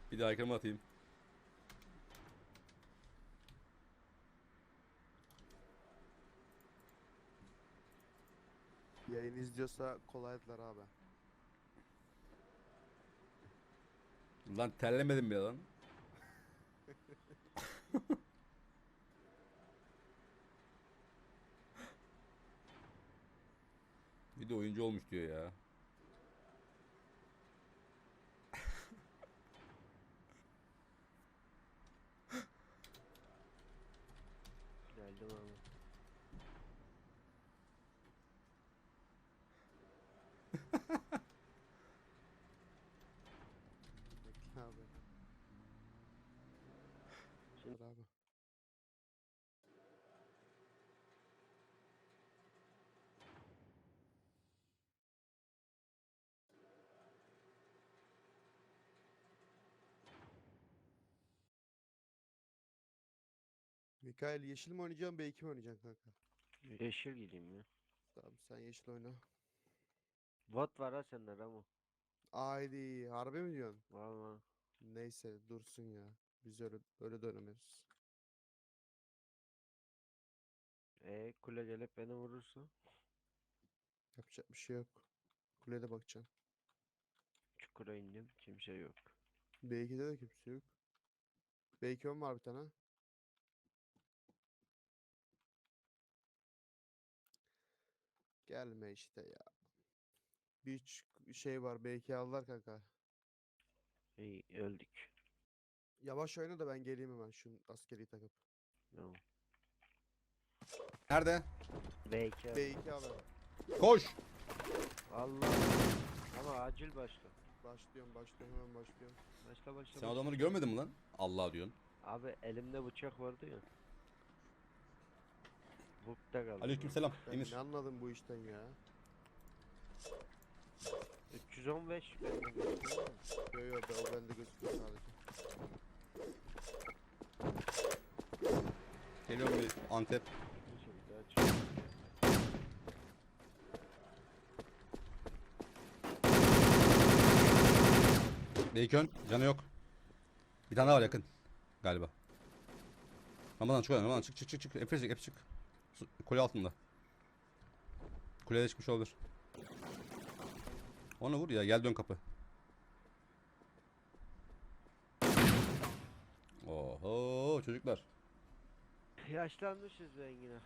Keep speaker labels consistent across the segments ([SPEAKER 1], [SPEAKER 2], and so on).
[SPEAKER 1] Bir daha ekranıma atayım.
[SPEAKER 2] Yayın izliyorsa kolaydılar abi.
[SPEAKER 1] Lan terlemedim ya lan. Bir de oyuncu olmuş diyor ya.
[SPEAKER 3] Geldim abi.
[SPEAKER 2] Bekle abi. Dur abi. Mikael yeşil mi oynayacaksın B2 mi oynayacaksın kanka?
[SPEAKER 3] Yeşil gideyim ya.
[SPEAKER 2] Tamam sen yeşil oyna.
[SPEAKER 3] Bot var ha sende Ramo.
[SPEAKER 2] Haydi harbi mi diyorsun?
[SPEAKER 3] Valla.
[SPEAKER 2] Neyse dursun ya. Biz öyle dönemiyoruz.
[SPEAKER 3] Kule gelip beni vurursa.
[SPEAKER 2] Yapacak bir şey yok. Kulede bakacaksın.
[SPEAKER 3] Çukura indim. Kimse yok.
[SPEAKER 2] B2'de de kimse yok. B2 var bir tane. Gelme işte ya. Şey var B2 aldılar kanka.
[SPEAKER 3] İyi öldük.
[SPEAKER 2] Yavaş oyna da ben geleyim hemen şu askeri takıp.
[SPEAKER 3] Tamam.
[SPEAKER 1] Nerede?
[SPEAKER 3] B2 abi.
[SPEAKER 2] B2 abi.
[SPEAKER 1] Koş.
[SPEAKER 3] Allah. Ama acil başla.
[SPEAKER 2] Başlıyorum hemen başlıyorum.
[SPEAKER 3] Başla başla
[SPEAKER 1] Sen
[SPEAKER 3] başla.
[SPEAKER 1] adamları görmedin mi lan? Allah diyorsun.
[SPEAKER 3] Abi elimde bıçak vardı ya. Bukta kaldım.
[SPEAKER 1] Aleykümselam
[SPEAKER 2] Ben
[SPEAKER 1] Emir.
[SPEAKER 2] ne anladım bu işten ya?
[SPEAKER 3] 315 bende gözüküyor ama.
[SPEAKER 2] Yo o bende gözüküyor sadece.
[SPEAKER 1] Geliyorum bir Antep.
[SPEAKER 3] Neyse bir daha çık.
[SPEAKER 1] Bacon canı yok. Bir tane daha var yakın. Galiba. Ramazan çık oradan, Ramazan çık. Hep çık. Kule altında. Kuleye çıkmış olabilir. Onu vur ya, gel dön kapı. Oho çocuklar.
[SPEAKER 3] Yaşlanmışız be Engin.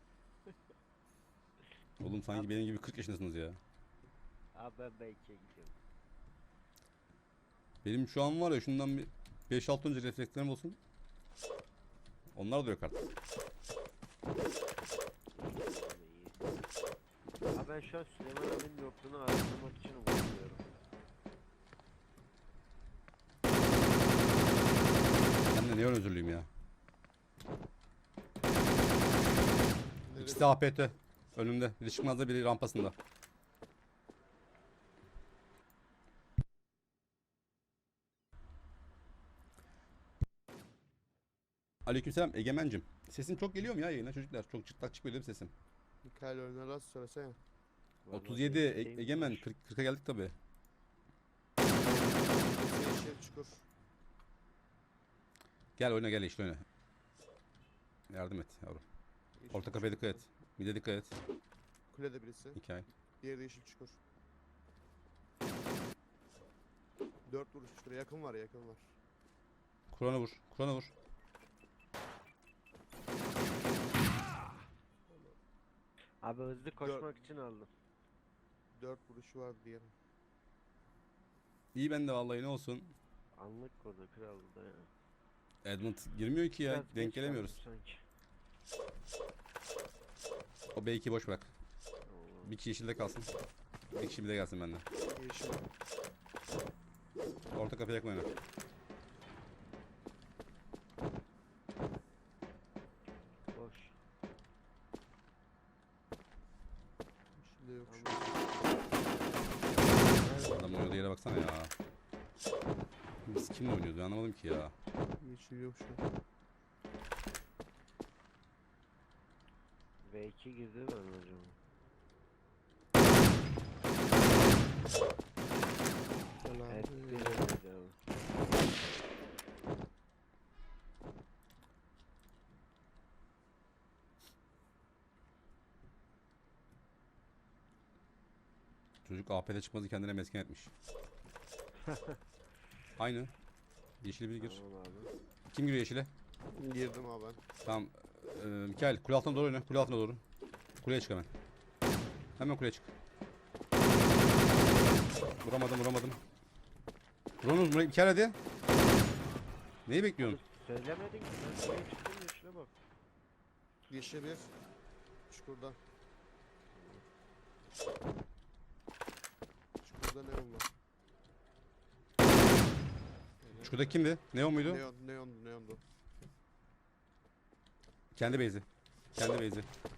[SPEAKER 1] Oğlum sanki benim gibi 40 yaşındasınız ya.
[SPEAKER 3] Abi ben B2'ye gidiyorum.
[SPEAKER 1] Benim şu an var ya, şundan bir 5-6 önce reflekslerim olsun. Onlar da yok artık.
[SPEAKER 3] Abi iyi. Abi ben şu an Süleyman abinin yokluğunu araştırmak için uğraşıyorum.
[SPEAKER 1] Ben de niye öyle özürlüyüm ya.
[SPEAKER 2] Neresi?
[SPEAKER 1] İkisi de APT. Önümde. Biri çıkmazda, biri rampasında. Aleykümselam Egemen'cim. Sesim çok geliyor mu ya yayına çocuklar? Çok çıtlak çıkmıyor değil mi sesim?
[SPEAKER 2] Mikael oynarlar söylesene.
[SPEAKER 3] Vallahi
[SPEAKER 1] 37
[SPEAKER 3] B2'deyim
[SPEAKER 1] Egemen
[SPEAKER 3] var.
[SPEAKER 1] 40'a geldik tabi.
[SPEAKER 2] Yeşil çukur.
[SPEAKER 1] Gel oyna, gel işte oyna. Yardım et yavrum.
[SPEAKER 2] Yeşil
[SPEAKER 1] Orta kafaya
[SPEAKER 2] çukur.
[SPEAKER 1] dikkat et. Mide dikkat et.
[SPEAKER 2] Kulede birisi.
[SPEAKER 1] Hikaye.
[SPEAKER 2] Diğeri de yeşil çukur. 4 vuruş çukura yakın var.
[SPEAKER 1] Kur'an'a vur. Kur'an'a vur.
[SPEAKER 3] Abi hızlı koşmak için aldım.
[SPEAKER 2] 4 vuruşu var diğeri.
[SPEAKER 1] İyi bende vallahi, ne olsun.
[SPEAKER 3] Anlık kodu kraldı da ya.
[SPEAKER 1] Edmund girmiyor ki ya.
[SPEAKER 3] Biraz
[SPEAKER 1] Denk
[SPEAKER 3] geç
[SPEAKER 1] gelemiyoruz.
[SPEAKER 3] kaldım sanki.
[SPEAKER 1] O B2 boş bırak.
[SPEAKER 3] Allah.
[SPEAKER 1] Bir kişi yeşilde kalsın. Bir kişi bir de gelsin benden.
[SPEAKER 2] Yeşil.
[SPEAKER 1] Orta kafaya yakın oyna.
[SPEAKER 3] Boş.
[SPEAKER 2] Yeşil de yok şu
[SPEAKER 3] Tamam.
[SPEAKER 2] an.
[SPEAKER 1] Adam oynadığı yere baksana ya. Biz kimle oynuyoruz, ben anlamadım ki ya.
[SPEAKER 2] Yeşil yok şu an.
[SPEAKER 3] V2 girdi ben hocam.
[SPEAKER 2] Selam.
[SPEAKER 3] Evet, bir abi.
[SPEAKER 1] Çocuk AP'de çıkmazı kendine mesken etmiş. Aynı. Yeşili bir gir.
[SPEAKER 3] Tamam abi.
[SPEAKER 1] Kim giriyor yeşile?
[SPEAKER 2] Girdim abi ben.
[SPEAKER 1] Tamam. Mikael kule altına doğru oyna. Kule altına doğru. Kuleye çık hemen. Hemen kuleye çık. Vuramadım. Vurunuz Mikael hadi. Neyi bekliyorsun?
[SPEAKER 3] Söylemedin ki ben şuraya çıktım yeşile bak.
[SPEAKER 2] Yeşil bir. Çukurda. Çukurda neon var.
[SPEAKER 1] Şurada kimdi? Neon muydu?
[SPEAKER 2] Neondu.
[SPEAKER 1] Kendi base'i.
[SPEAKER 3] Abi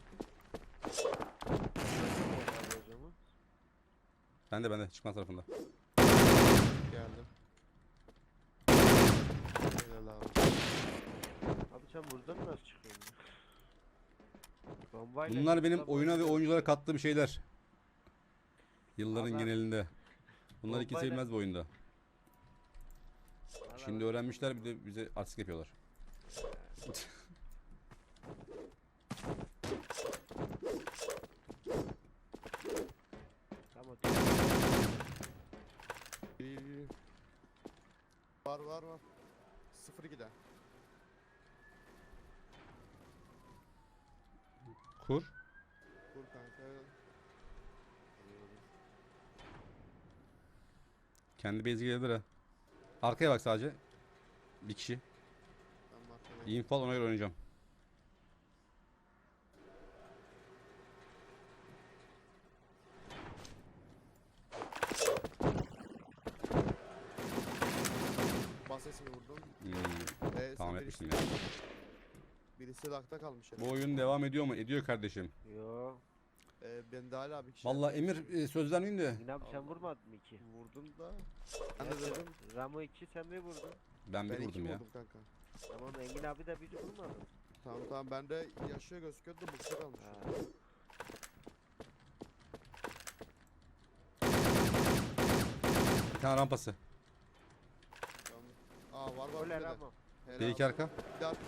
[SPEAKER 3] o zaman.
[SPEAKER 1] Bende çıkmaz tarafında.
[SPEAKER 2] Geldim. Helal abi.
[SPEAKER 3] Abi sen buradan nasıl çıkıyorsun? Bombayla
[SPEAKER 1] Bunlar benim
[SPEAKER 3] çıksam
[SPEAKER 1] oyuna ve
[SPEAKER 3] bombayla-
[SPEAKER 1] oyunculara kattığım şeyler. Yılların
[SPEAKER 3] Allah-
[SPEAKER 1] genelinde. Bunlar iki
[SPEAKER 3] Bombayla-
[SPEAKER 1] sevilmez bu oyunda.
[SPEAKER 3] Valla
[SPEAKER 1] Şimdi
[SPEAKER 3] ben-
[SPEAKER 1] öğrenmişler bir de bize artistik yapıyorlar.
[SPEAKER 3] Tamam.
[SPEAKER 2] İyi. Var. 0-2'de.
[SPEAKER 1] Kur.
[SPEAKER 2] Vur kanka.
[SPEAKER 1] Kendi base'i gelebilir ha. Arkaya bak sadece. Bir kişi.
[SPEAKER 2] Ben markadayım.
[SPEAKER 1] İnfal ona göre oynayacağım.
[SPEAKER 2] Bas sesini vurdum.
[SPEAKER 1] Tamam
[SPEAKER 2] sen
[SPEAKER 1] etmiştim
[SPEAKER 2] birisi,
[SPEAKER 1] ya.
[SPEAKER 2] birisi lakta kalmış.
[SPEAKER 1] Bu oyun devam ediyor mu? Ediyor kardeşim.
[SPEAKER 3] Yo.
[SPEAKER 2] Ben de hala bir kişi.
[SPEAKER 1] Vallahi Emir söz vermeyeyim de.
[SPEAKER 3] Yine abi sen
[SPEAKER 2] Allah.
[SPEAKER 3] vurmadın mı iki?
[SPEAKER 2] Vurdum da. Ben de
[SPEAKER 3] Evet,
[SPEAKER 2] dedim.
[SPEAKER 3] Ramo 2 sen bir vurdun.
[SPEAKER 1] Ben bir
[SPEAKER 2] Ben iki
[SPEAKER 1] vurdum ya.
[SPEAKER 2] vurdum kanka.
[SPEAKER 3] Tamam Engin abi de bir vurmadı.
[SPEAKER 2] Tamam ben de yaşıyor gözüküyordu da bukta kalmış.
[SPEAKER 3] Ha.
[SPEAKER 1] Bir tane rampası.
[SPEAKER 2] Tamam. Var
[SPEAKER 3] Öyle
[SPEAKER 2] bir de.
[SPEAKER 3] Ramo.
[SPEAKER 2] Helal.
[SPEAKER 1] Bir iki arka.
[SPEAKER 2] Bir daha.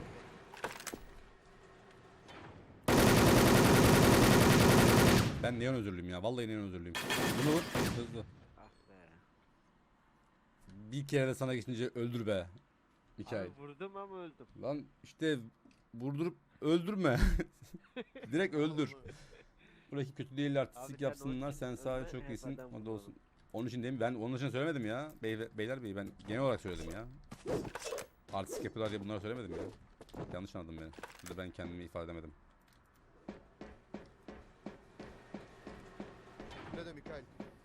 [SPEAKER 1] Ben neon özürlüyüm ya. Vallahi neon özürlüyüm. Bunu vur. Hızlı.
[SPEAKER 3] Ah be.
[SPEAKER 1] Bir kere de sana geçince öldür be. Mikael.
[SPEAKER 3] Abi vurdum ama öldüm.
[SPEAKER 1] Lan işte vurdurup öldürme. Direkt öldür. Buradaki kötü değiller
[SPEAKER 3] Abi
[SPEAKER 1] artistik
[SPEAKER 3] sen
[SPEAKER 1] yapsınlar.
[SPEAKER 3] onun için
[SPEAKER 1] Sen sadece
[SPEAKER 3] ölme,
[SPEAKER 1] çok
[SPEAKER 3] hep
[SPEAKER 1] iyisin.
[SPEAKER 3] adam
[SPEAKER 1] O da
[SPEAKER 3] vurmalı.
[SPEAKER 1] olsun. Onun için değil mi? Ben onun için söylemedim ya. Beyler bey ben genel olarak söyledim ya. Artistik yapıyorlar diye bunları söylemedim ya. Yanlış anladın beni. Burada ben kendimi ifade edemedim.
[SPEAKER 2] Ne de Mikael.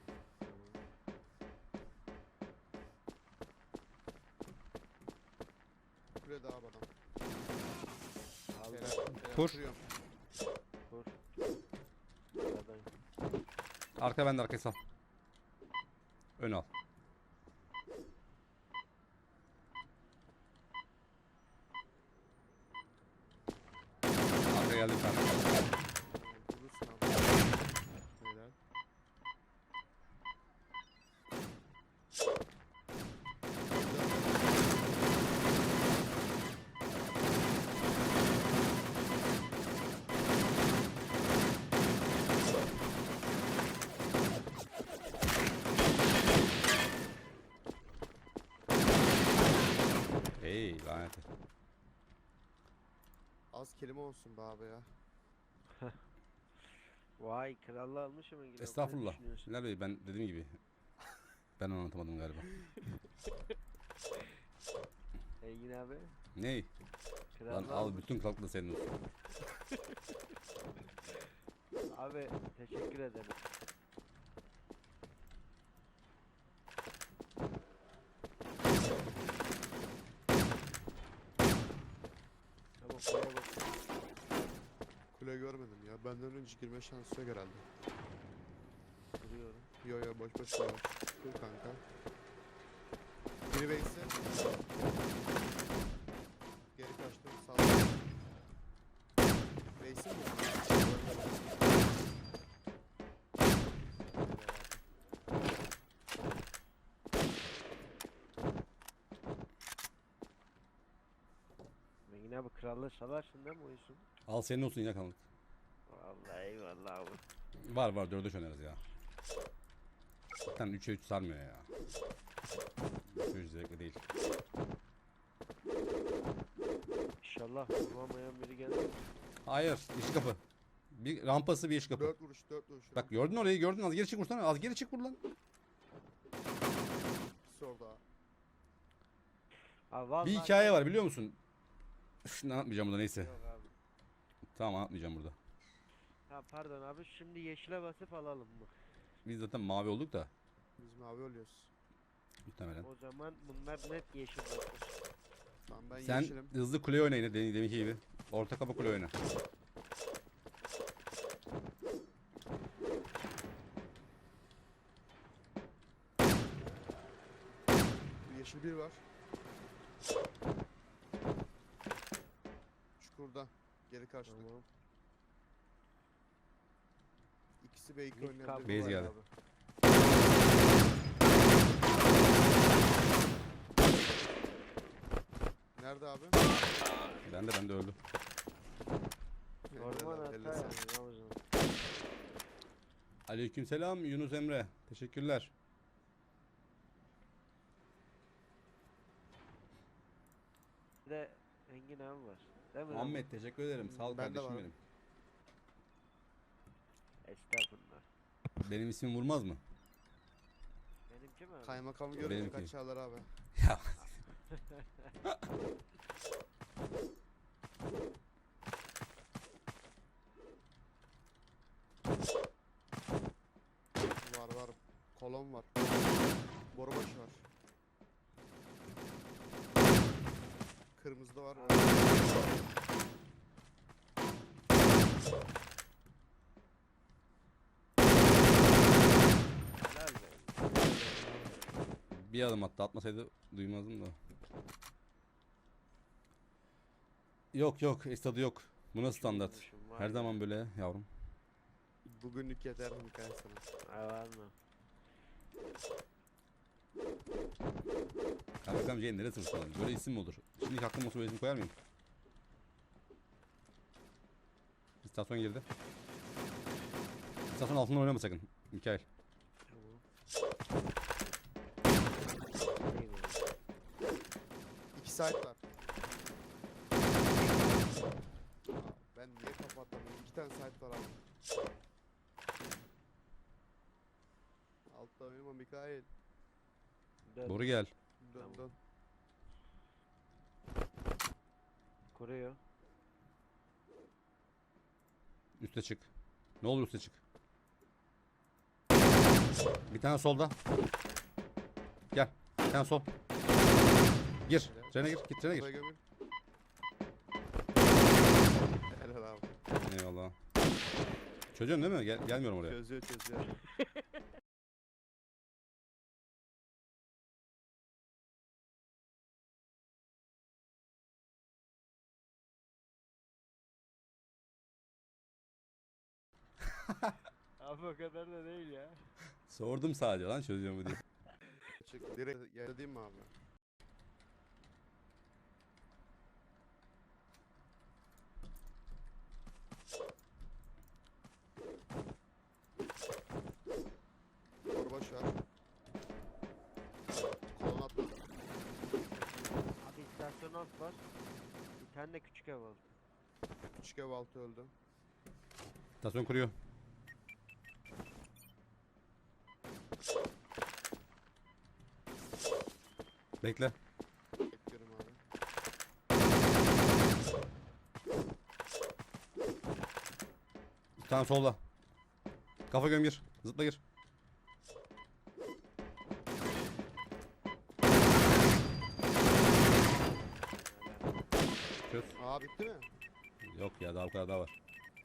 [SPEAKER 2] Kule daha adam.
[SPEAKER 3] Aldım.
[SPEAKER 1] Kur.
[SPEAKER 2] Kuruyorum.
[SPEAKER 3] Vur. Aradayım.
[SPEAKER 1] Arka bende arkayı sal. Ön al. Arka geldi bir tane.
[SPEAKER 2] Vurursun abi. Helal.
[SPEAKER 1] Hey lanet.
[SPEAKER 2] Az kelime olsun be abi ya.
[SPEAKER 3] Vay krallığı almışım Engin abi. Ne
[SPEAKER 1] Estağfurullah.
[SPEAKER 3] düşünüyorsun?
[SPEAKER 1] Bilal Bey ben dediğim gibi. Ben anlatamadım galiba.
[SPEAKER 3] Engin abi.
[SPEAKER 1] Ney?
[SPEAKER 3] Krallığı
[SPEAKER 1] Lan al
[SPEAKER 3] almış.
[SPEAKER 1] bütün kalk da senin olsun.
[SPEAKER 3] Abi teşekkür ederim. Tamam buraya bak.
[SPEAKER 2] Kule görmedim ya. Benden önce girme şansı yok herhalde.
[SPEAKER 3] Duruyorum.
[SPEAKER 2] Yo boş boş. Dur kanka. Biri base'i. Geri kaçtım. Sağ ol. Base'i mi?
[SPEAKER 3] Engin abi krallığı salarsın değil mi oysun?
[SPEAKER 1] Al senin olsun yine kaldık.
[SPEAKER 3] Vallahi eyvallah abi.
[SPEAKER 1] Var 4'e oynarız ya. Zaten 3'e 3 sarmıyor ya. 3'e 3 zevkli değil.
[SPEAKER 3] İnşallah vuramayan biri gelir.
[SPEAKER 1] Hayır, yeşil kapı. Bir rampası bir yeşil kapı.
[SPEAKER 2] 4 vuruş 4 vuruş.
[SPEAKER 1] Bak gördün orayı, gördün, az geri çık vursana, az geri çık vur lan.
[SPEAKER 2] İkisi orada.
[SPEAKER 3] Ha vallahi
[SPEAKER 1] Bir hikaye var biliyor musun? Üf, ne anlatmayacağım burada, neyse.
[SPEAKER 3] Yok abi.
[SPEAKER 1] Tamam, anlatmayacağım burada.
[SPEAKER 3] Ha pardon abi, şimdi yeşile basıp alalım mı?
[SPEAKER 1] Biz zaten mavi olduk da
[SPEAKER 2] Biz mavi oluyoruz.
[SPEAKER 1] muhtemelen.
[SPEAKER 3] O zaman bunlar net yeşil basır.
[SPEAKER 2] Tamam ben
[SPEAKER 1] Sen
[SPEAKER 2] yeşilim.
[SPEAKER 1] hızlı kule oyna yine deminki gibi. Orta kapı kule oyna.
[SPEAKER 2] Yeşil bir var. Çukurda. Geri karşıda.
[SPEAKER 3] Tamam.
[SPEAKER 2] İkisi B2
[SPEAKER 3] Mid
[SPEAKER 2] oynayabilir.
[SPEAKER 3] kapı
[SPEAKER 1] Base
[SPEAKER 3] var
[SPEAKER 1] geldi.
[SPEAKER 3] abi.
[SPEAKER 2] Nerede abi?
[SPEAKER 1] Ben de öldü.
[SPEAKER 3] Orman hata
[SPEAKER 2] Elle
[SPEAKER 3] yani
[SPEAKER 2] sağlık.
[SPEAKER 3] ne yapacağım?
[SPEAKER 1] Aleykümselam Yunus Emre. Teşekkürler.
[SPEAKER 3] Bir de Engin abi var. Değil mi?
[SPEAKER 1] Muhammed teşekkür ederim. Sağ ol
[SPEAKER 2] Ben de
[SPEAKER 1] kardeşim
[SPEAKER 2] varım.
[SPEAKER 1] benim.
[SPEAKER 3] Estağfurullah.
[SPEAKER 1] Benim ismim vurmaz mı?
[SPEAKER 3] Benimki mi abi?
[SPEAKER 2] Kaymakamı görünce
[SPEAKER 1] Benimki.
[SPEAKER 2] kaçarlar abi.
[SPEAKER 1] Ya
[SPEAKER 2] Var. Kolon var. Borubaş var. Kırmızı da var.
[SPEAKER 3] Helal be.
[SPEAKER 1] bir adım attı, atmasaydı duymazdım da. Yok estadı yok. Bu nasıl standart?
[SPEAKER 3] Vurmuşum, var
[SPEAKER 1] Her
[SPEAKER 3] ya.
[SPEAKER 1] zaman böyle yavrum.
[SPEAKER 2] Bugünlük yeter mi hikaye sana?
[SPEAKER 3] Ha, var mı?
[SPEAKER 1] Kaymakam C'ye nereye sırtlanır? Böyle isim mi olur? Şimdi aklım olsa böyle isim koyar mıyım? İstasyon girdi. İstasyon altından oynama sakın. Mikael.
[SPEAKER 3] Tamam. İyi böyle.
[SPEAKER 2] 2 site var. Ben niye kapattım? 2 tane site var abi. Altta oynama Mikail.
[SPEAKER 3] Dön.
[SPEAKER 1] Doğru gel.
[SPEAKER 2] Dön
[SPEAKER 3] Tamam.
[SPEAKER 2] dön.
[SPEAKER 3] Kuruyor.
[SPEAKER 1] Üste çık. Ne olur üste çık. Bir tane solda. Gel. Bir tane sol. Gir. Trene gir. Git trene gir.
[SPEAKER 2] Kafaya gömül. Helal abi.
[SPEAKER 1] Eyvallah. Çözüyorsun değil mi? Gelmiyorum oraya.
[SPEAKER 2] Çözüyor.
[SPEAKER 3] Abi o kadar da değil ya.
[SPEAKER 1] Sordum sadece lan çözüyor mu diye.
[SPEAKER 2] Çık. Direkt yere değil mi abi? Korbaş var. Kolon atladı.
[SPEAKER 3] Abi istasyon alt var. Bir tane de küçük ev var.
[SPEAKER 2] Küçük ev altı öldü.
[SPEAKER 1] İstasyon kuruyor. Bekle.
[SPEAKER 2] Bekliyorum abi.
[SPEAKER 1] Bir tane solda. Kafa göm gir. Zıpla gir. Çöz.
[SPEAKER 2] Aa bitti mi?
[SPEAKER 1] Yok ya, daha bu kadar daha var.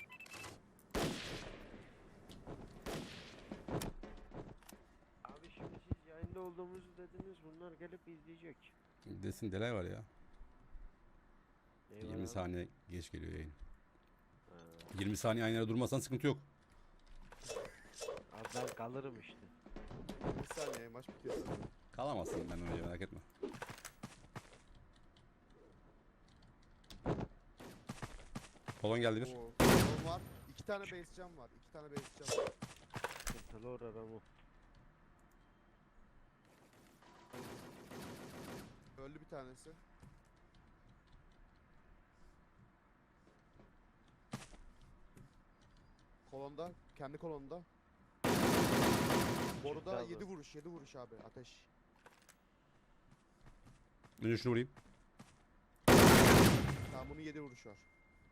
[SPEAKER 3] Abi şimdi siz yayında olduğumuzu dediniz, bunlar gelip izleyecek.
[SPEAKER 1] Desin delay var ya.
[SPEAKER 3] Eyvallah
[SPEAKER 1] 20
[SPEAKER 3] abi.
[SPEAKER 1] saniye geç geliyor yayın.
[SPEAKER 3] Ha.
[SPEAKER 1] 20 saniye aynı yere durmasan sıkıntı yok.
[SPEAKER 3] Abi ben kalırım işte.
[SPEAKER 2] Bir saniye maç bitiyor zaten.
[SPEAKER 1] Kalamazsın ben öyle, merak etme. Kolon geldi bir.
[SPEAKER 2] Oo, kolon var. 2 tane base cam var. 2 tane base cam var.
[SPEAKER 3] Sıkıntı Allora Ramo.
[SPEAKER 2] Öldü bir tanesi. Kolonda, kendi kolonda. Boruda
[SPEAKER 3] abi.
[SPEAKER 2] 7 vuruş abi ateş.
[SPEAKER 1] Önce şunu vurayım.
[SPEAKER 2] Tamam bunun 7 vuruş var.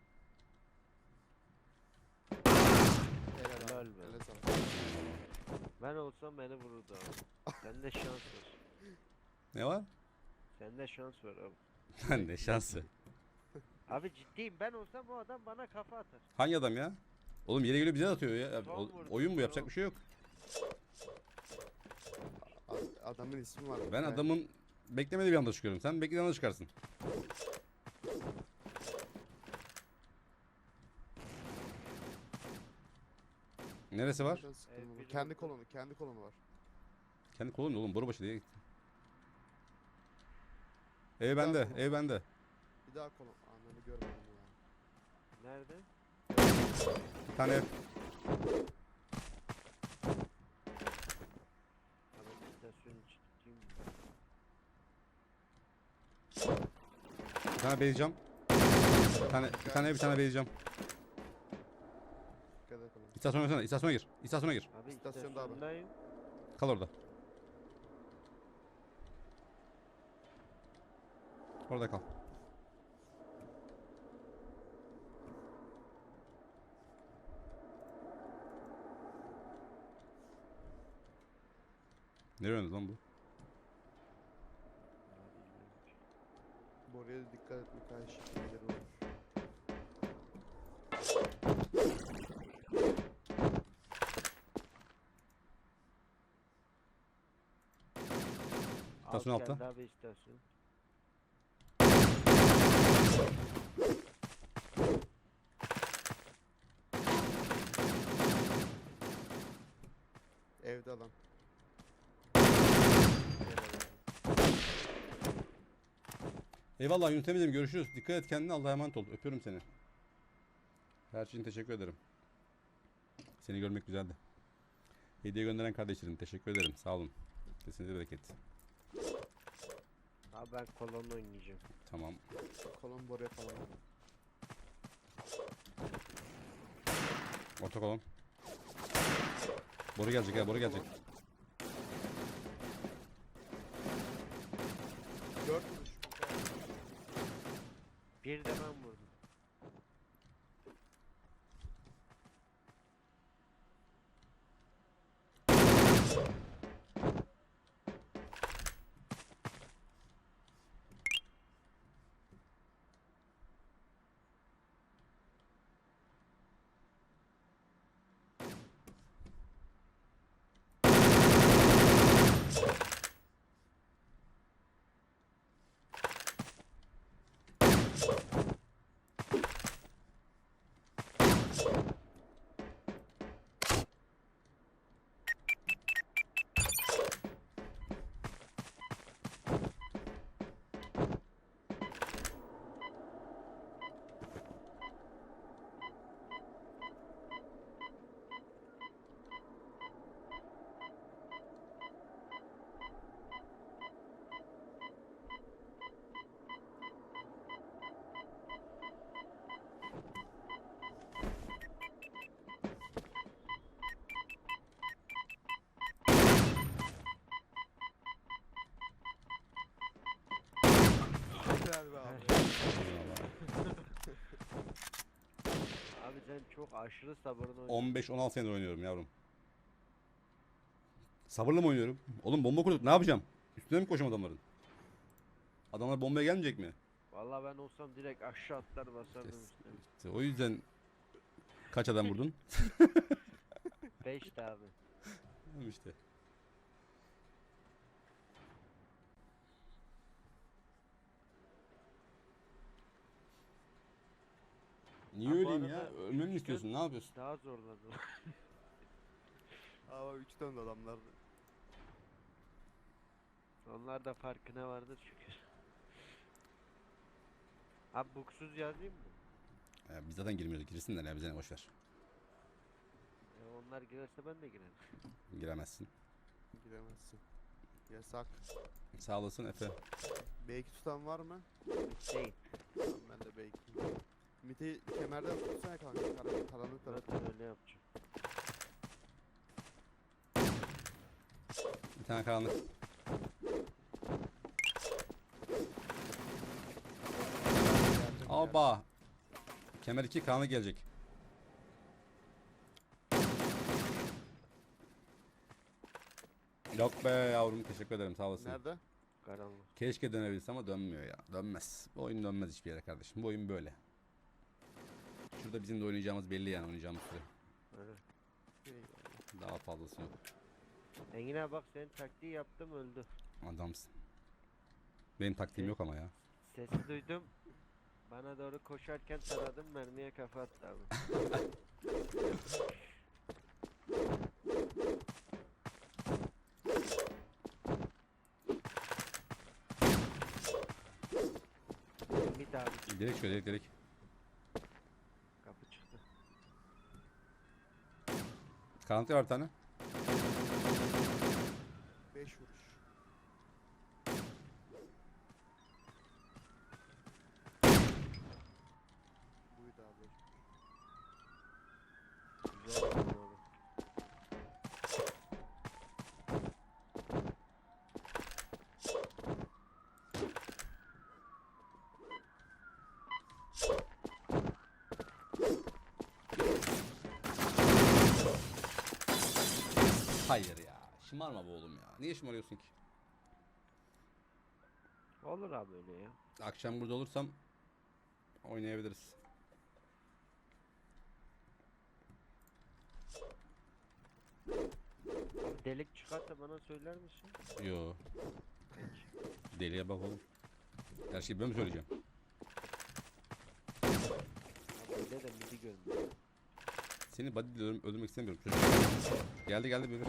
[SPEAKER 2] Helal
[SPEAKER 3] Helal
[SPEAKER 2] abi.
[SPEAKER 3] be.
[SPEAKER 2] Eline sağlık.
[SPEAKER 3] Ben olsam beni vururdu abi. Sende şans var.
[SPEAKER 1] Ne var?
[SPEAKER 3] Sende şans var abi.
[SPEAKER 1] Lan ne şansı.
[SPEAKER 3] Abi ciddiyim, ben olsam o adam bana kafa atar.
[SPEAKER 1] Hangi adam ya? Oğlum yere geliyor bize de atıyor ya.
[SPEAKER 3] Son vurdu,
[SPEAKER 1] Oyun bu, yapacak
[SPEAKER 3] son.
[SPEAKER 1] bir şey yok.
[SPEAKER 2] Adamın ismi var.
[SPEAKER 1] Ben adamın beklemediği bir anda çıkıyorum. Sen beklediğin anda çıkarsın. Neresi var?
[SPEAKER 2] Nereden sıktın
[SPEAKER 3] Evet,
[SPEAKER 2] bunu?
[SPEAKER 3] biri
[SPEAKER 2] Kendi
[SPEAKER 3] vurdu.
[SPEAKER 2] kolonu var.
[SPEAKER 1] Kendi kolun ne oğlum? Borubaşı diye gitti. Ev bende,
[SPEAKER 2] kolon.
[SPEAKER 1] ev bende.
[SPEAKER 2] Bir daha kolon. Ananı görmedim ya.
[SPEAKER 3] Nerede?
[SPEAKER 1] Bir tane ev.
[SPEAKER 3] Abi istasyonu çıktım.
[SPEAKER 1] Bir tane beyzcam. Bir tane ev, bir tane beyzcam.
[SPEAKER 2] Dikkat et kolon.
[SPEAKER 1] İstasyona girsene, istasyona gir. İstasyona gir.
[SPEAKER 3] Abi
[SPEAKER 2] İstasyonda abi.
[SPEAKER 3] istasyondayım.
[SPEAKER 1] Kal orada. Orada kal. Nereye oynadı lan bu?
[SPEAKER 2] Boruya da dikkat et birkaç şeyleri var.
[SPEAKER 1] İstasyon
[SPEAKER 3] Alt
[SPEAKER 1] altta.
[SPEAKER 3] geldi abi istasyon.
[SPEAKER 2] Evde adam.
[SPEAKER 1] Eyvallah Yunus Emre'cim, görüşürüz. Dikkat et kendine, Allah'a emanet ol. Öpüyorum seni. Her şey için teşekkür ederim. Seni görmek güzeldi. Hediye gönderen kardeşlerim teşekkür ederim. Sağ olun. Kesinize bereket.
[SPEAKER 3] Abi ben kolonla oynayacağım.
[SPEAKER 1] Tamam.
[SPEAKER 2] Kolon boruya falan.
[SPEAKER 1] Orta kolon. Boru gelecek ya, boru gelecek.
[SPEAKER 2] 4 vuruş.
[SPEAKER 3] Bir de ben vurdum.
[SPEAKER 2] Helal be abi.
[SPEAKER 1] Eyvallah.
[SPEAKER 3] Abi sen çok aşırı sabırlı oynuyorsun.
[SPEAKER 1] 15-16 senedir oynuyorum yavrum. Sabırla mı oynuyorum? Oğlum bomba kurduk, ne yapacağım? Üstüne mi koşacağım adamların? Adamlar bombaya gelmeyecek mi?
[SPEAKER 3] Vallahi ben olsam direkt aşağı atlar basardım
[SPEAKER 1] Kes.
[SPEAKER 3] üstüne.
[SPEAKER 1] İşte o yüzden kaç adam vurdun?
[SPEAKER 3] 5 abi.
[SPEAKER 1] İşte. Niye
[SPEAKER 3] Ha, bu
[SPEAKER 1] öleyim ya?
[SPEAKER 3] arada
[SPEAKER 1] Ölmemi mi istiyorsun? Ne yapıyorsun?
[SPEAKER 3] Daha zorladı.
[SPEAKER 2] Ama 3 tane de adamlardı.
[SPEAKER 3] Onlar da farkına vardır şükür. Abi buksuz yazayım mı?
[SPEAKER 1] Biz zaten girmiyoruz. Girsinler ya, bize ne, boş ver.
[SPEAKER 3] Onlar girerse ben de girerim.
[SPEAKER 1] Giremezsin.
[SPEAKER 2] Giremezsin. Yasak.
[SPEAKER 1] Sağ olasın Efe.
[SPEAKER 2] B2 tutan var mı?
[SPEAKER 3] Değil.
[SPEAKER 2] Tamam, ben de B2. Ümit'i kemerden tutsana kanka. Karanlık tarafı.
[SPEAKER 3] Zaten öyle yapacağım.
[SPEAKER 1] Bir tane karanlık.
[SPEAKER 2] Geldim,
[SPEAKER 1] Aba. Kemer 2 karanlık gelecek. Yok be yavrum, teşekkür ederim, sağ olasın.
[SPEAKER 2] Nerede?
[SPEAKER 3] Karanlık.
[SPEAKER 1] Keşke dönebilse ama dönmüyor ya. Dönmez. Bu oyun dönmez hiçbir yere kardeşim. Bu oyun böyle. Şurada bizim de oynayacağımız belli yani, oynayacağımız süre.
[SPEAKER 3] Öyle.
[SPEAKER 1] Daha fazlası yok.
[SPEAKER 3] Engin abi bak senin taktiği yaptım öldü.
[SPEAKER 1] Adamsın. Benim taktiğim yok ama ya.
[SPEAKER 3] Sesi duydum. Bana doğru koşarken taradım, mermiye kafa attı abi. Bir daha bir
[SPEAKER 1] Direkt şöyle, direkt.
[SPEAKER 3] kapı çıktı.
[SPEAKER 1] Karanlık var bir tane.
[SPEAKER 2] 5 vuruş. Buydu abi.
[SPEAKER 3] Güzel yaptın abi.
[SPEAKER 1] Hayır ya. Şımarma be oğlum ya. Niye şımarıyorsun ki?
[SPEAKER 3] Olur abi öyle ya.
[SPEAKER 1] Akşam burada olursam oynayabiliriz.
[SPEAKER 3] Abi delik çıkarsa bana söyler misin?
[SPEAKER 1] Yo. Deliye bak oğlum. Her şeyi ben mi söyleyeceğim?
[SPEAKER 3] Abi öyle de midi görmüyor.
[SPEAKER 1] Seni body diyorum, öldürmek istemiyorum çocuk. Geldi geldi bir.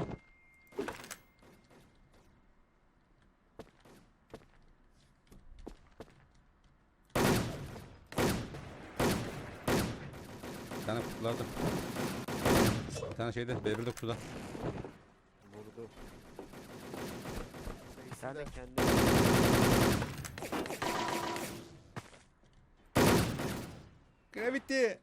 [SPEAKER 1] Bir tane kutularda. Bir tane şeyde, B1'de kutuda.
[SPEAKER 3] Vurdu. Bir
[SPEAKER 2] Neyse
[SPEAKER 3] tane
[SPEAKER 2] de
[SPEAKER 3] kendi...
[SPEAKER 1] Gravity.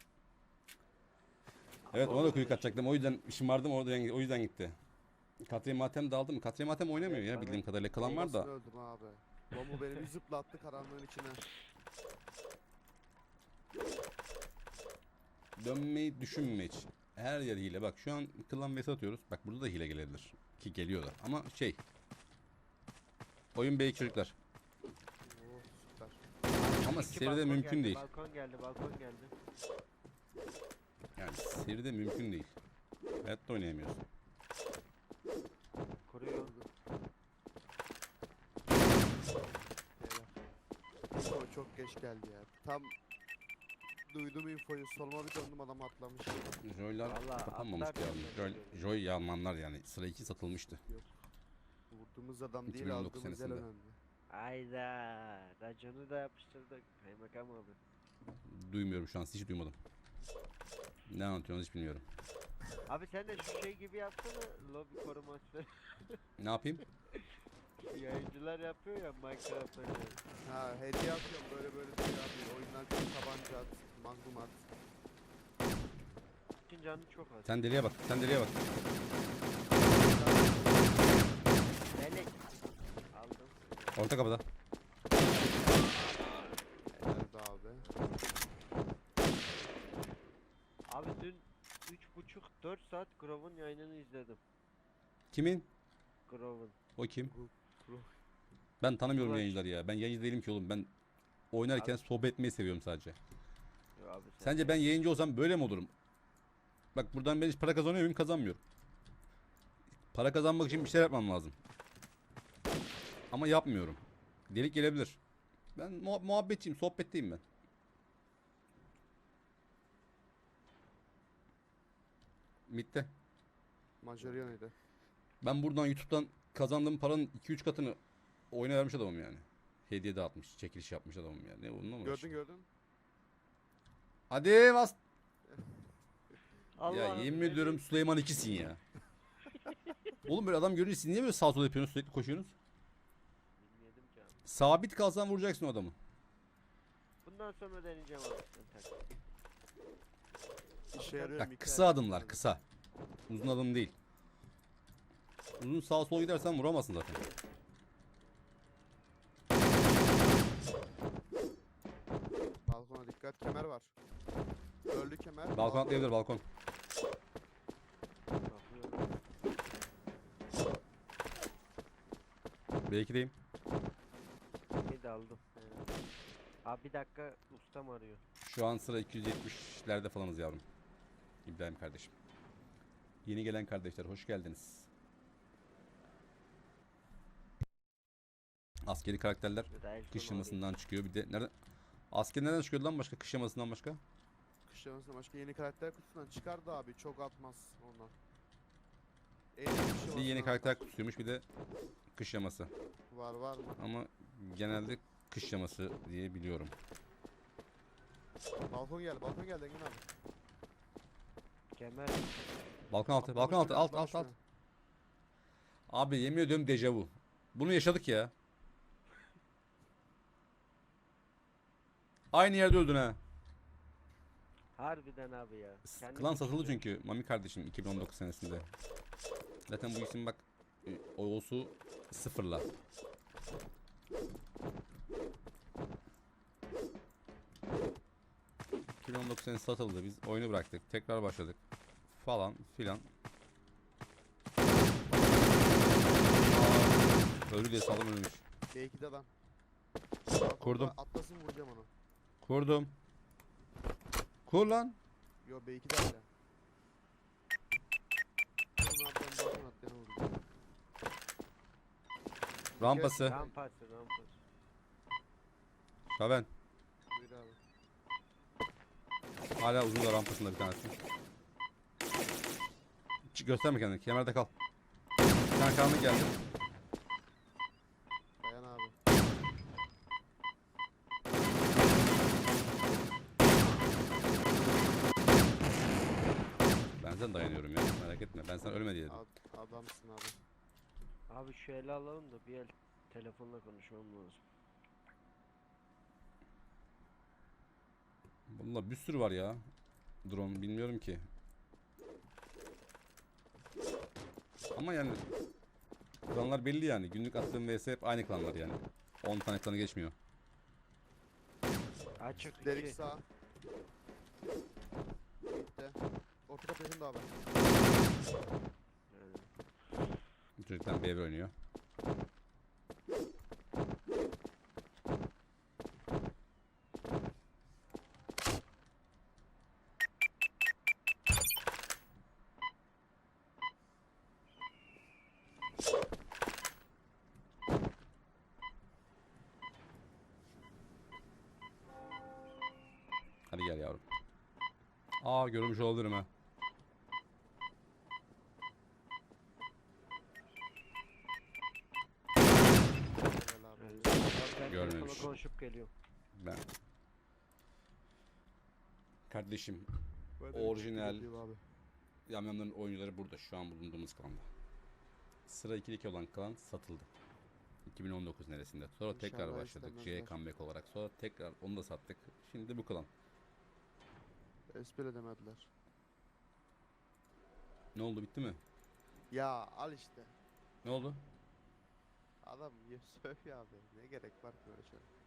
[SPEAKER 1] Evet, ona da kuyu atacaktım. O yüzden şımardım, o yüzden gitti. Katya Matem daldı mı? Katya Matem oynamıyor
[SPEAKER 3] Evet,
[SPEAKER 1] ya
[SPEAKER 3] bana-
[SPEAKER 1] bildiğim kadarıyla. Kalan var da.
[SPEAKER 2] bombasını öldüm abi. Bomba beni bir zıplattı karanlığın içine.
[SPEAKER 1] Dönmeyi düşünme hiç. Her yer hile. Bak şu an klan vs atıyoruz. Bak burada da hile gelebilir. Ki geliyor da. Ama şey. Oyun bey çocuklar.
[SPEAKER 2] Oo süper.
[SPEAKER 1] Ama
[SPEAKER 3] İki
[SPEAKER 1] seride
[SPEAKER 3] balkon
[SPEAKER 1] mümkün
[SPEAKER 3] geldi,
[SPEAKER 1] değil.
[SPEAKER 3] Balkon geldi, balkon geldi.
[SPEAKER 1] Yani seride mümkün değil. Hayatta oynayamıyorsun.
[SPEAKER 3] Kuruyor.
[SPEAKER 2] Info çok geç geldi ya. Tam duydum infoyu. Soluma bir döndüm, adam atlamış.
[SPEAKER 1] Joy'lar
[SPEAKER 3] Vallahi
[SPEAKER 1] kapanmamıştı
[SPEAKER 3] atlar
[SPEAKER 1] ya.
[SPEAKER 3] mısın?
[SPEAKER 1] Joy Almanlar yani. Sıra 2 satılmıştı.
[SPEAKER 2] Yok. Vurduğumuz adam değil,
[SPEAKER 1] 2019
[SPEAKER 2] aldığımız yer
[SPEAKER 1] senesinde.
[SPEAKER 2] önemli.
[SPEAKER 3] Ayda. Raconu da yapıştırdık. Kaymakam abi.
[SPEAKER 1] Duymuyorum şu an. Hiç duymadım. Ne anlatıyorsunuz hiç bilmiyorum.
[SPEAKER 3] Abi sen de şu şey gibi yapsana. Lobi koruması.
[SPEAKER 1] Ne yapayım?
[SPEAKER 3] Yayıncılar yapıyor ya Minecraft oynuyor.
[SPEAKER 2] Ha, hediye atıyorum böyle böyle diyor abi. Oyundan çok tabanca at, magnum at.
[SPEAKER 3] Için canı çok az.
[SPEAKER 1] Sen deliye bak. Sen deliye bak.
[SPEAKER 3] Melek. Aldım.
[SPEAKER 1] Orta kapıda.
[SPEAKER 2] Nerede abi?
[SPEAKER 3] Abi dün 3,5-4 saat Grove'un yayınını izledim.
[SPEAKER 1] Kimin?
[SPEAKER 3] Grove'un.
[SPEAKER 1] O kim?
[SPEAKER 2] Pro.
[SPEAKER 1] Ben tanımıyorum
[SPEAKER 3] Ulaş.
[SPEAKER 1] yayıncıları ya. Ben yayıncı değilim ki oğlum. Ben oynarken
[SPEAKER 3] Abi-
[SPEAKER 1] sohbet etmeyi seviyorum sadece.
[SPEAKER 3] Yo abi sen
[SPEAKER 1] Sence ben yayıncı olsam böyle mi olurum? Bak buradan ben hiç para kazanıyor muyum? Kazanmıyorum. Para kazanmak için bir şeyler yapmam lazım. Ama yapmıyorum. Delik gelebilir. Ben muhabbetçiyim, sohbetteyim ben. Bitti.
[SPEAKER 2] Majorion'ydı.
[SPEAKER 1] Ben buradan YouTube'dan kazandığım paranın 2-3 katını oyuna vermiş adamım yani. Hediye dağıtmış, çekiliş yapmış adamım yani. Ne bununla mı
[SPEAKER 2] Gördün gördün.
[SPEAKER 1] Hadi bas. Ya
[SPEAKER 3] Allah'ım,
[SPEAKER 1] yemin
[SPEAKER 3] ne
[SPEAKER 1] ediyorum Süleyman 2'sin ya. Oğlum böyle adam görünce siz niye böyle sağ sol yapıyorsunuz, sürekli koşuyorsunuz?
[SPEAKER 3] bilmiyordum ki abi.
[SPEAKER 1] Sabit kalsan vuracaksın o adamı.
[SPEAKER 3] Bundan sonra deneyeceğim abi. Sen tak.
[SPEAKER 2] İşe yarıyor.
[SPEAKER 1] Ya
[SPEAKER 2] Mikael.
[SPEAKER 1] kısa adımlar, kısa. Uzun adım değil. Uzun sağ sol gidersen vuramazsın zaten.
[SPEAKER 2] Balkona dikkat. Kemer var. Öldü kemer.
[SPEAKER 1] Balkon atlayabilir, balkon.
[SPEAKER 3] Bakıyorum.
[SPEAKER 1] B2'deyim.
[SPEAKER 3] Bir de aldım. Abi bir dakika, ustam arıyor.
[SPEAKER 1] Şu an sıra 270'lerde falanız yavrum. İbrahim kardeşim. Yeni gelen kardeşler hoş geldiniz. Askeri karakterler
[SPEAKER 3] Bir de el
[SPEAKER 1] kış
[SPEAKER 3] sonu
[SPEAKER 1] yamasından çıkıyor. Bir de nereden? Asker nereden çıkıyordu lan başka? Kış yamasından başka?
[SPEAKER 2] Kış yamasına başka yeni karakter kutusundan çıkardı abi. Çok atmaz ondan. En iyi kış
[SPEAKER 1] Bir
[SPEAKER 2] yamasından
[SPEAKER 1] yeni karakter
[SPEAKER 2] atar.
[SPEAKER 1] kutusuymuş, bir de kış yaması.
[SPEAKER 2] Var mı?
[SPEAKER 1] Ama genelde kış yaması diye biliyorum.
[SPEAKER 2] Balkon geldi Engin abi.
[SPEAKER 3] Kemer.
[SPEAKER 1] Balkon altı, balkon altı, alt alt alt. Abi yemin ediyorum dejavu. Bunu yaşadık ya. Aynı yerde öldün ha.
[SPEAKER 3] Harbiden abi ya. Kendim
[SPEAKER 1] Klan satıldı
[SPEAKER 3] düşünüyorum.
[SPEAKER 1] çünkü Mami kardeşim 2019 senesinde. Zaten bu isim bak Oğuz'u sıfırla. ...2019 senesi satıldı. Biz oyunu bıraktık. Tekrar başladık. Falan filan. Öldü diye saldım, ölmüş.
[SPEAKER 2] B2'de adam. Balkonda
[SPEAKER 1] Kurdum.
[SPEAKER 2] Atlasın vuracağım onu.
[SPEAKER 1] Kurdum. Kur lan.
[SPEAKER 2] Yo B2'de hala. Sonra ben balkon atlayana vuracağım.
[SPEAKER 1] Rampası.
[SPEAKER 3] Rampası, rampası.
[SPEAKER 1] Şaven.
[SPEAKER 2] Buyur abi.
[SPEAKER 1] Hala uzun da rampasında bir tanesi. Gösterme kendini. Kemerde kal. Bir tane karanlık geldi.
[SPEAKER 2] Dayan abi.
[SPEAKER 1] Ben zaten dayanıyorum ya. Merak etme. Ben sana ölme diye dedim.
[SPEAKER 2] Adamsın abi.
[SPEAKER 3] Abi şu eli alalım da bir el telefonla konuşmam lazım.
[SPEAKER 1] Bunlar bir sürü var ya. Drone bilmiyorum ki. Ama yani klanlar belli yani. Günlük attığım vs hep aynı klanlar yani. 10 tane klanı geçmiyor.
[SPEAKER 3] Açık
[SPEAKER 2] Delik
[SPEAKER 3] iki.
[SPEAKER 2] sağ. Bitti. Orta kapı da abi.
[SPEAKER 3] Yani.
[SPEAKER 1] Bu çocuktan B1 oynuyor. Hadi gel yavrum. Aa, görmüş olabilirim ha.
[SPEAKER 2] Helal abi.
[SPEAKER 3] Yani. Ben
[SPEAKER 1] Görmemiş.
[SPEAKER 3] telefonla konuşup geliyorum.
[SPEAKER 1] Ben. Kardeşim,
[SPEAKER 2] Ben de
[SPEAKER 1] Orijinal.
[SPEAKER 2] bir abi.
[SPEAKER 1] Yamyamların oyuncuları burada, şu an bulunduğumuz klanda. Sıra 2'deki olan klan satıldı. 2019 neresinde. Sonra tekrar
[SPEAKER 2] İnşallah
[SPEAKER 1] başladık. J
[SPEAKER 2] istemezler.
[SPEAKER 1] comeback olarak. Sonra tekrar onu da sattık. Şimdi bu klan.
[SPEAKER 2] Espri edemediler.
[SPEAKER 1] Ne oldu, bitti mi?
[SPEAKER 2] Ya al işte.
[SPEAKER 1] Ne oldu?
[SPEAKER 2] Adam söylüyor abi. Ne gerek var ki böyle şey?